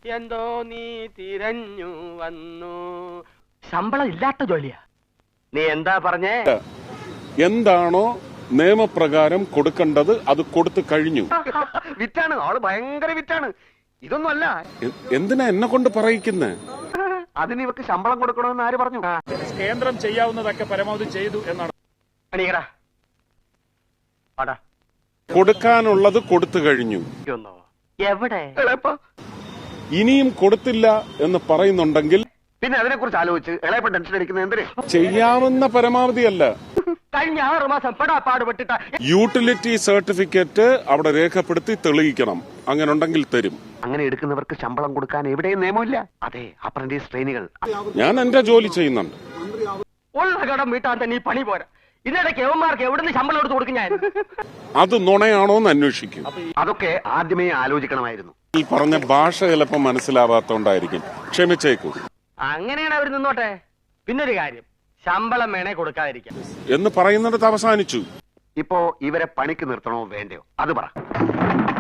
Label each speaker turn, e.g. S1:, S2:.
S1: എന്തോ നീ തിരഞ്ഞു വന്നു. ശമ്പളം ഇല്ലാത്ത ജോലിയാ. നീ എന്താ പറഞ്ഞേ?
S2: എന്താണോ നിയമപ്രകാരം കൊടുക്കേണ്ടത് അത് കൊടുത്തു കഴിഞ്ഞു.
S1: വിറ്റാണ്, ആള് ഭയങ്കര വിറ്റാണ്. ഇതൊന്നും അല്ല.
S2: എന്തിനാ എന്നെ കൊണ്ട് പറയിക്കുന്നേ?
S1: അതിന് ഇവർക്ക് ശമ്പളം കൊടുക്കണമെന്ന് ആര് പറഞ്ഞു?
S3: കേന്ദ്രം ചെയ്യാവുന്നതൊക്കെ പരമാവധി ചെയ്തു എന്നാണ്.
S2: കൊടുക്കാനുള്ളത് കൊടുത്തു കഴിഞ്ഞു.
S1: എവിടെ?
S2: ഇനിയും കൊടുത്തില്ല എന്ന് പറയുന്നുണ്ടെങ്കിൽ
S1: പിന്നെ അതിനെ കുറിച്ച് ആലോചിച്ച് ഇളയപ്പ ടെൻഷൻ അടിക്കുന്നത് എന്തിന്?
S2: ചെയ്യാവുന്ന പരമാവധി അല്ല.
S1: കഴിഞ്ഞ 6 മാസം പാടുപെട്ടിട്ട
S2: യൂട്ടിലിറ്റി സർട്ടിഫിക്കറ്റ് അവിടെ രേഖപ്പെടുത്തി തെളിയിക്കണം. അങ്ങനെ ഉണ്ടെങ്കിൽ തരും.
S1: അങ്ങനെ എടുക്കുന്നവർക്ക് ശമ്പളം കൊടുക്കാൻ എവിടെയും നിയമമില്ല. അതെ, അപ്രന്റീസ് ട്രെയിനികൾ.
S2: ഞാൻ എന്റെ ജോലി ചെയ്യുന്നുണ്ട്.
S1: ഉള്ള കടം വീട്ടാൻ തന്നെ ഈ പണി പോരാ. ഇതിനിടയ്ക്ക് യവന്മാർക്ക് എവിടുന്ന് ശമ്പളം എടുത്ത് കൊടുക്കും ഞാൻ?
S2: അത് നുണയാണോന്ന് അന്വേഷിക്കും.
S1: അതൊക്കെ ആദ്യമേ ആലോചിക്കണമായിരുന്നു.
S2: ഈ പറഞ്ഞ ഭാഷ ചിലപ്പോൾ മനസ്സിലാവാത്തോണ്ടായിരിക്കും. ക്ഷമിച്ചേക്കൂ.
S1: അങ്ങനെയാണ് അവർ നിന്നോട്ടെ. പിന്നൊരു കാര്യം, ശമ്പളം വേണേ കൊടുക്കാതിരിക്കാം
S2: എന്ന് പറയുന്നിടത്ത് അവസാനിച്ചു.
S1: ഇപ്പോ ഇവരെ പണിക്ക് നിർത്തണോ വേണ്ടയോ അത് പറ.